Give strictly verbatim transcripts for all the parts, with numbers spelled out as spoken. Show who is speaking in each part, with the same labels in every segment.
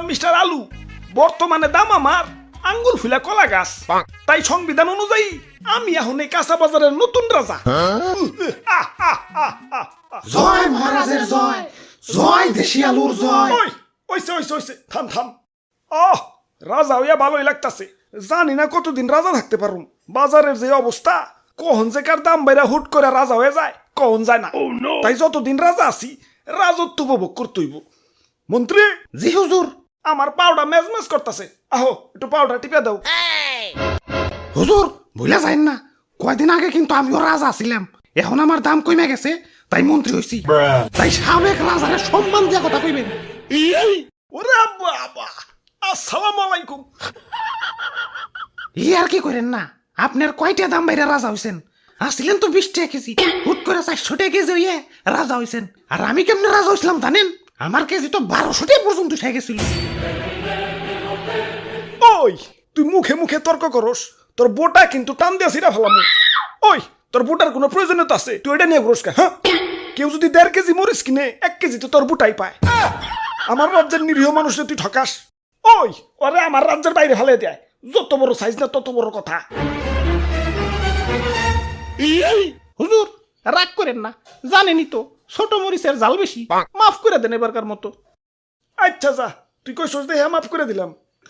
Speaker 1: Mister আলু, বর্তমানে দাম আমার আঙ্গুল ফুলা কলা গাছ। তাই সংবিধান অনুযায়ী আমি এখন এই কাঁচা বাজারের নতুন রাজা। আহ, আহ, আহ, আহ, আহ।
Speaker 2: জয় মহারাজের জয়, জয় দেশি আলুর জয়।
Speaker 1: ওই ওইসে ওইসে ওইসে থাম থাম। আহ, রাজা হইয়া ভালোই লাগতাছে। জানি না কতদিন রাজা থাকতে পারুম। বাজারের যে অবস্থা, কখন যে কার দাম বাইরা হুট করে রাজা হয়ে যায় কখন যায় না। তাই যতদিন রাজা আছি রাজত্ব উপভোগ করতে হইব। মন্ত্রী,
Speaker 2: জি হুজুর।
Speaker 1: আমার পাউডা মেজমেজ করতেছে, আহো একটু পাউডার টিপে দাও।
Speaker 2: হুজুর ভুলে যাইন না, কয়দিন আগে কিন্তু আমিও রাজা ছিলাম, এখন আমার দাম কমে গেছে তাই মন্ত্রী হইছি। তাই সাবেক রাজারে সম্মান দিয়া কথা কইবেন।
Speaker 1: ওরে বাবা, আসসালামু আলাইকুম।
Speaker 2: ই আর কি করেন না, আপনার কয়টা দাম বাইরে রাজা হইছেন? আসছিলেন তো বিশ টাকা কেজি, হুট করে চারশো টাকা কেজি হইয়ে রাজা হইছেন। আর আমি কেমনে রাজা হইছিলাম জানেন? আমার কেজি তো বারোশো টাকা পর্যন্ত উঠে গেছিল।
Speaker 1: ওই তুই মুখে মুখে তর্ক করস, তোর বোটা কিন্তু টান দিয়া ছিড়া ফেলাম। ওই তোর বুটার কোনো প্রয়োজনীয়তা আছে? তুই এটা নিয়ে ঘুরস কে? হ্যাঁ, কেউ যদি দেড় কেজি মরিচ কিনে এক কেজি তো তোর বুটাই পায়। আমার রাজ্যের নিরীহ মানুষে তুই ঠকাস। ওই ওরে আমার রাজ্যের বাইরে ফেলে দেয়। যত বড় সাইজ না তত বড় কথা।
Speaker 2: হুজুর রাগ করেন না, জানেনই তো ছোট মরিচের জাল বেশি, মাফ করে দেন এবারকার মতো।
Speaker 1: আচ্ছা যা, তুই কই সোচ দেখে মাফ করে দিলাম।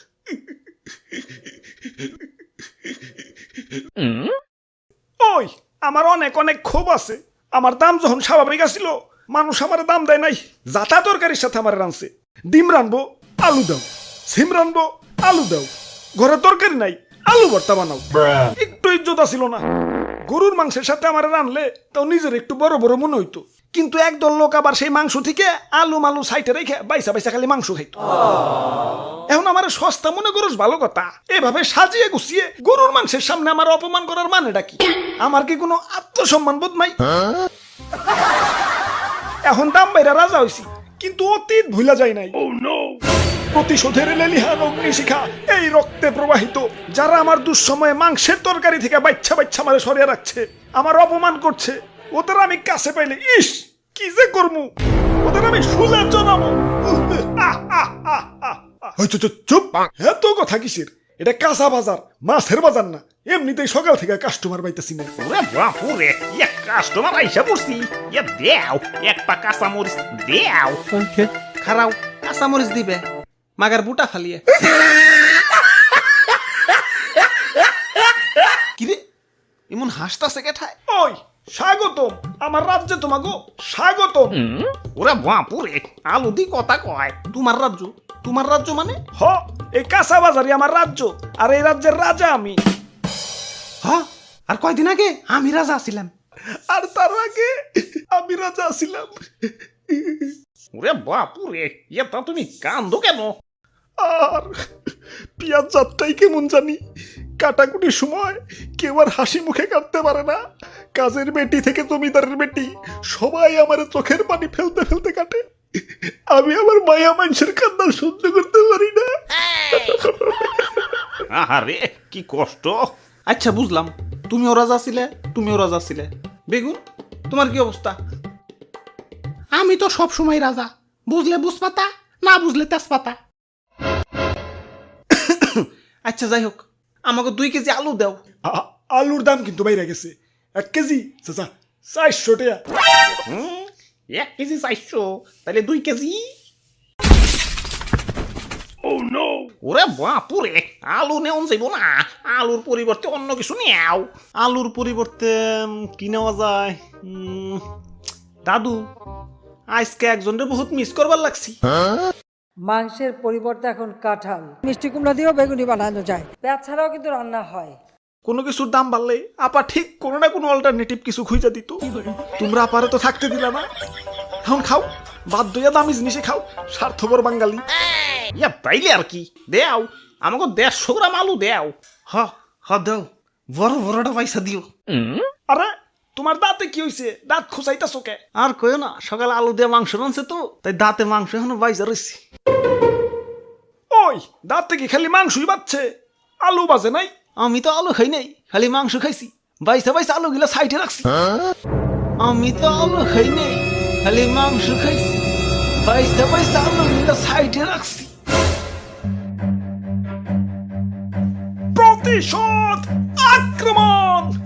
Speaker 1: ওই আমার অনেক অনেক ক্ষোভ আছে। আমার দাম যখন স্বাভাবিক আসছিল, মানুষ আমার দাম দেয় নাই। যাতা তরকারির সাথে আমার রানছে। ডিম রানবো, আলু দাও। সিম রানবো, আলু দাও। ঘরে তরকারি নাই, আলু ভর্তা বানাও। একটু ইজ্জত আসিল না। গরুর মাংসের সাথে আমার রানলে তাও নিজের একটু বড় বড় মনে হইতো। কিন্তু একদল লোক আবার সেই মাংস থেকে আলু মালু সাইটে রেখে বাইসা বাইসা খালি মাংস খাইতো। এখন আমার সস্তা মনে করস ভালো কথা। এভাবে সাজিয়ে গুছিয়ে গরুর মাংসের সামনে আমার অপমান করার মানেটা কি? আমার কি কোনো আত্মসম্মান বোধ নাই? এখন দাম বাইরা রাজা হইছি, কিন্তু অতীত ভুলা যায় নাই। প্রতিশোধের লেলিহান অগ্নিশিখা এই রক্তে প্রবাহিত। যারা আমার দুঃসময়ে মাংসের তরকারি থেকে বাচ্চা বাচ্চা মারে সরিয়ে রাখছে, আমার অপমান করছে, ওদের আমি কাছে পাইলে ইস কি যে করমু, ওদের আমি শুলে জানাবো। চুপ, এত কথা কিসের? এটা কাঁচা বাজার, মাছের বাজার না। এমনিতেই সকাল থেকে কাস্টমার পাইতেছি না।
Speaker 3: ওরে বাপুরে, ইয়া কাস্টমার আইসা পড়ছি। ইয়া দেও এক পা কাঁচা মরিচ দেও।
Speaker 2: খারাও কাঁচা মরিচ দিবে, মাগার বুটা ফালিয়ে। কিরে এমন হাসতাছে কেঠায়?
Speaker 1: ওই স্বাগতম আমার রাজ্যে, তোমাগো স্বাগতম।
Speaker 3: ওরে বাপুরে, আলু দি কথা কয়।
Speaker 2: তোমার রাজ্য? তোমার রাজ্য মানে?
Speaker 1: হ, এই কাঁচা বাজারই আমার রাজ্য, আর এই রাজ্যের রাজা আমি।
Speaker 2: হ, আর কয়দিন আগে আমি রাজা ছিলাম।
Speaker 1: আর তার আগে আমি রাজা ছিলাম।
Speaker 3: ওরে বাপুরে, ইয়া তা তুমি কান্দো কেন?
Speaker 1: আর পিয়াজ যাত্রাই কেমন জানি। কাটাকুটির সময় কেউ আর হাসি মুখে কাটতে পারে না। কাজের বেটি থেকে জমিদারের বেটি সবাই আমার চোখের পানি ফেলতে ফেলতে কাটে। আমি আমার মায়া মানুষের কান্না সহ্য করতে পারি না।
Speaker 3: আরে কি কষ্ট।
Speaker 2: আচ্ছা বুঝলাম, তুমিও রাজা ছিলে, তুমিও রাজা ছিলে। বেগুন তোমার কি অবস্থা? আমি তো সব সময় রাজা, বুঝলে বুঝপাতা, না বুঝলে তেজপাতা। আচ্ছা যাই হোক, আমাকে দুই কেজি আলু দাও।
Speaker 1: আ- আলুর দাম কিন্তু বাইরে গেছে। এক কেজি চাচা চারশো টাকা।
Speaker 3: হুম, এক কেজি চাইছো, তাহলে দুই কেজি। ওরে বাপুরে, আলু নেওয়া যাইব না। আলুর পরিবর্তে অন্য কিছু নেও।
Speaker 2: আলুর পরিবর্তে উম, কি নেওয়া যায়? উম, দাদু আজকে একজনরে বহুত মিস করবার লাগছি।
Speaker 4: মাংসের পরিবর্তে এখন কাঁঠাল, মিষ্টি কুমড়া দিয়েও বেগুনি বানানো যায়। পেঁয়াজ ছাড়াও কিন্তু রান্না হয়।
Speaker 1: কোনো কিছুর দাম বাড়লে আপা ঠিক কোনো না কোনো অল্টারনেটিভ কিছু খুঁজে দিত। তোমরা আপারে তো থাকতে দিলা না। এখন খাও, বাদ দইয়া দামি জিনিসে খাও, স্বার্থপর বাঙালি।
Speaker 3: ইয়া তাইলে আর কি, দেও আমাকে দেড়শো গ্রাম আলু দেও।
Speaker 2: হ হ দাও, বড় বড়টা পয়সা দিও।
Speaker 1: আরে তোমার দাঁতে কি হইছে? দাঁত খুঁচাইতাছো কে?
Speaker 2: আর কইও না, সকালে আলু দিয়ে মাংস রানছে তো, তাই দাঁতে মাংস এখনো বাইজা রয়েছে।
Speaker 1: ওই দাঁতে কি খালি মাংসই বাচ্ছে, আলু বাজে নাই?
Speaker 2: আমি তো আলু খাই নাই, খালি মাংস খাইছি। বাইসা বাইসা আলু গিলা সাইডে রাখছি। আমি তো আলু খাই নাই, খালি মাংস খাইছি। বাইসা বাইসা আলু গিলা সাইডে রাখছি।
Speaker 1: প্রতিশোধ আক্রমণ।